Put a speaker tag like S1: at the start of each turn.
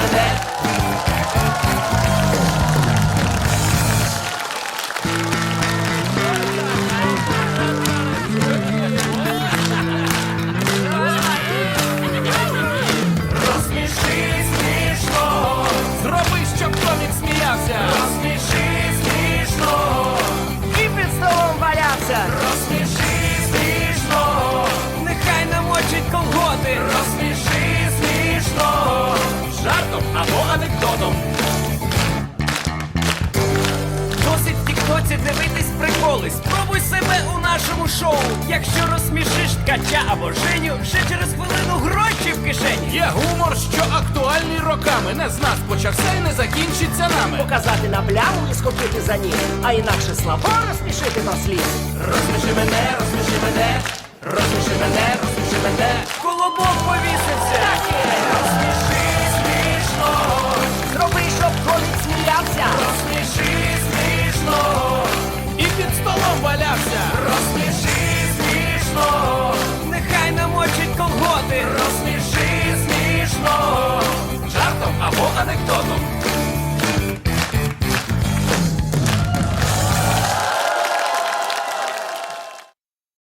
S1: мене. Розсміши смішно.
S2: Зроби, щоб комік сміявся.
S1: Розсміши смішно.
S3: І під столом валявся.
S1: Розсміши смішно.
S3: Нехай намочить колготи.
S1: Розсміши смішно.
S2: Жартом або анекдотом.
S3: Досить в тіктоці дивитись приколи. Спробуй себе у нашому шоу. Якщо розсмішиш ткача або Женю, вже через хвилину гроші в кишені.
S2: Є гумор, що актуальний роками. Не з нас почався і не закінчиться нами.
S3: Показати на пляму і схопити за ніг. А інакше слабо розсмішити на слід.
S1: Розсміши мене, розсміши мене. Розсміши мене, розсміши мене.
S3: Колобок повісився.
S1: Так